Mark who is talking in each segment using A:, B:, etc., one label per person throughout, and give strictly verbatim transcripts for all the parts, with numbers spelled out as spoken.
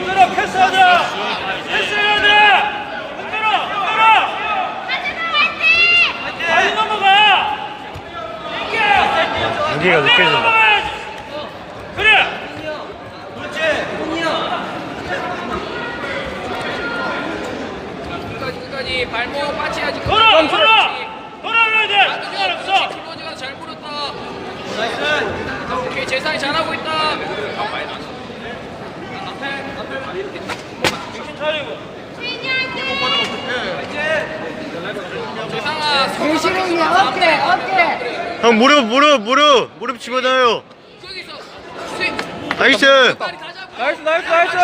A: 흔들어 패스하자. 패스해야 돼. 흔들어 흔들어. 빨리 넘어가.
B: 무게가 느껴진다.
A: 그래.
C: 그렇지.
D: 끝까지 끝까지 발목 빠치야지.
A: 돌아 돌아. 돌아야 돼. 시간 없어.
D: 클로즈가 잘 물었다.
C: 나이스.
D: 오케이 재상이 잘하고 있다.
A: 정신 차리고.
D: 재상아
E: 대신은 어깨 어깨
B: 형 무릎 무릎 무릎 무릎 집어넣어요.
D: 저기서 스윙.
B: 나이스.
D: 빨리 가자고.
A: 나이스 나이스 나이스.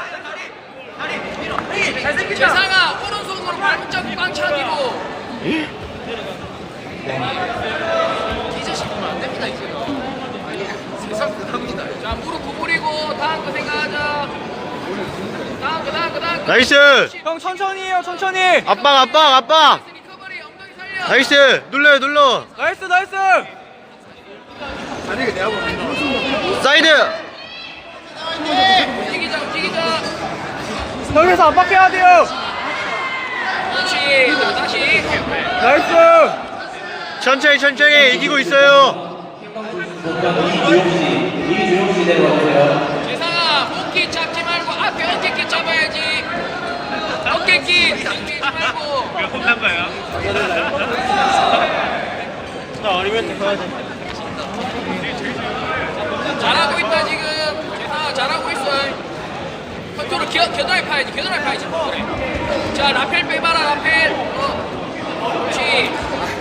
D: 재상아 오른손으로 발목 잡고 빵 차기로. 이 자식 보면 안 됩니다 이제. 세상 대단합니다. 자 무릎 구부리고 다음 거 생각하자. 다음 거 다음 거 다음 거.
B: 나이스.
A: 형 천천히 해요 천천히.
B: 압박 압박 압박.
D: 리커버리 엉덩이 살려.
B: 나이스. 눌러요 눌러.
A: 나이스 나이스.
B: 사이드.
D: 움직이자 움직이자.
A: 여기서 압박해야 돼요.
D: 그렇지. 자, 다시.
A: 나이스.
B: 천천히 천천히 이기고 있어요.
D: 재상아 목기 잡지 말고 앞에 어깨끼 잡아야지. 어깨끼 잡지 말고.
A: 혼난 거야. 나 어리면 가야 돼.
D: 잘하고 있다 지금. 재상아 잘하고 있어. 컨트롤 겨, 겨드랑이 파야지. 겨드랑이 파야지. 그래. 자 라펠 빼봐라 라펠. 어. 그렇지.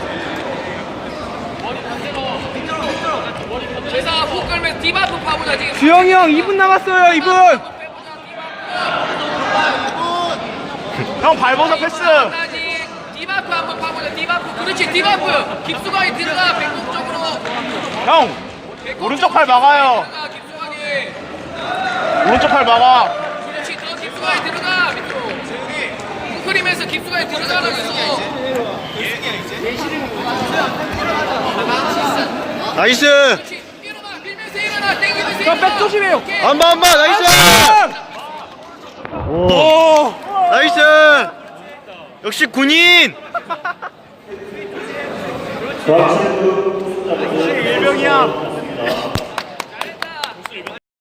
D: 재상아 목 걸면서 디바프 파보자 지금.
A: 주영이 형 이 분 남았어요 이 분. 형 발버섯 패스.
D: 디바프 한번 파보자. 디바프. 그렇지 디바프. 깊숙하게 들어가 백목 쪽으로.
A: 형 오른쪽 팔 막아요.
D: 들어가 깊숙하게.
A: 오른쪽 팔 막아.
D: 그렇지 더 깊숙하게 들어가 밑으로. 웅크리면서 깊숙하게 들어가면서.
B: 나이스.
D: 그렇지 일어나 밀면서 일어나 땡기면서 일어나.
A: 백 조심해요.
D: 오케이.
B: 안봐 안봐 나이스. 오.
A: 오.
B: 나이스. 역시 군인.
A: 역시 일병이야.